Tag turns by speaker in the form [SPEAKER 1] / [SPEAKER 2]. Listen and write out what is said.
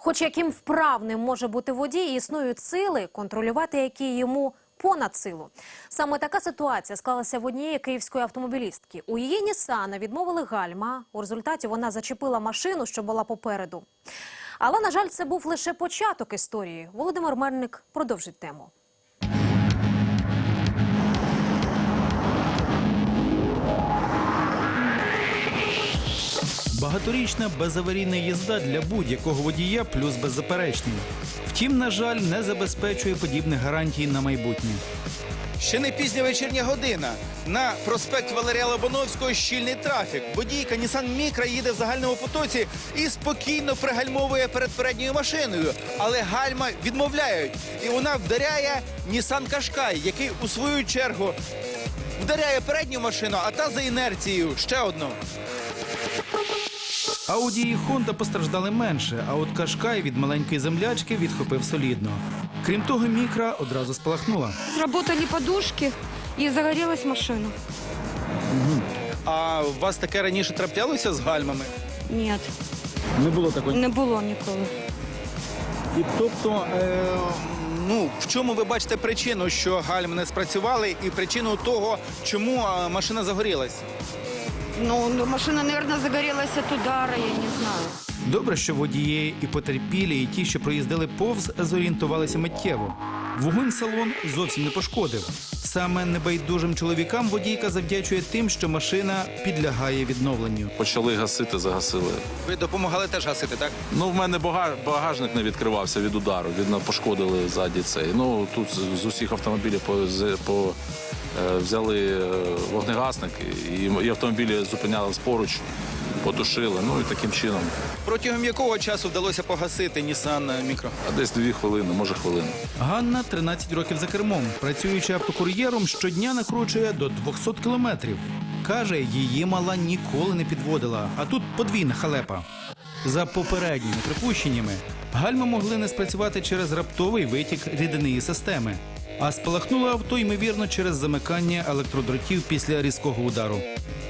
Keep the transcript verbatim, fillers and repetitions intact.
[SPEAKER 1] Хоч яким вправним може бути водій, існують сили, контролювати які йому понад силу. Саме така ситуація склалася в однієї київської автомобілістки. У її Нісана відмовили гальма. У результаті вона зачепила машину, що була попереду. Але, на жаль, це був лише початок історії. Володимир Мельник продовжить тему.
[SPEAKER 2] Багаторічна безаварійна їзда для будь-якого водія плюс беззаперечний. Втім, на жаль, не забезпечує подібних гарантій на майбутнє.
[SPEAKER 3] Ще не пізня вечірня година. На проспект Валерія Лобановського щільний трафік. Водійка Nissan Micra їде в загальному потоці і спокійно пригальмовує перед передньою машиною. Але гальма відмовляють. І вона вдаряє Nissan Qashqai, який у свою чергу вдаряє передню машину, а та за інерцією ще одну.
[SPEAKER 2] Ауді і Хонда постраждали менше, а от Qashqai від маленької землячки відхопив солідно. Крім того, Мікра одразу спалахнула.
[SPEAKER 4] Сработали подушки і загорілась машина.
[SPEAKER 3] А у вас таке раніше траплялося з гальмами?
[SPEAKER 4] Ні,
[SPEAKER 2] Не було такої.
[SPEAKER 4] не було ніколи.
[SPEAKER 3] І тобто, е, ну, в чому ви бачите причину, що гальми не спрацювали, і причину того, чому е, машина загорілась?
[SPEAKER 4] Ну, ну, машина, мабуть, загорілася від удара, я не знаю.
[SPEAKER 2] Добре, що водії і потерпілі, і ті, що проїздили повз, зорієнтувалися миттєво. Вогонь салон зовсім не пошкодив. Саме небайдужим чоловікам водійка завдячує тим, що машина підлягає відновленню.
[SPEAKER 5] Почали гасити, загасили. Ви
[SPEAKER 3] Допомагали теж гасити, так?
[SPEAKER 5] Ну, в мене бага- багажник не відкривався від удару, видно, пошкодили ззаді цей. Ну, тут з- з усіх автомобілів по, з- по, е, взяли е, вогнегасник, і, і автомобілі зупинялись поруч, потушили, ну і таким чином.
[SPEAKER 3] Протягом якого часу вдалося погасити Nissan Micra?
[SPEAKER 5] А десь дві хвилини, може хвилину.
[SPEAKER 2] Ганна тринадцять років за кермом. Працюючи автокур'єром, щодня накручує до двохсот кілометрів. Каже, її мала ніколи не підводила, а тут подвійна халепа. За попередніми припущеннями, гальми могли не спрацювати через раптовий витік рідинної системи. А спалахнуло авто, ймовірно, через замикання електродротів після різкого удару.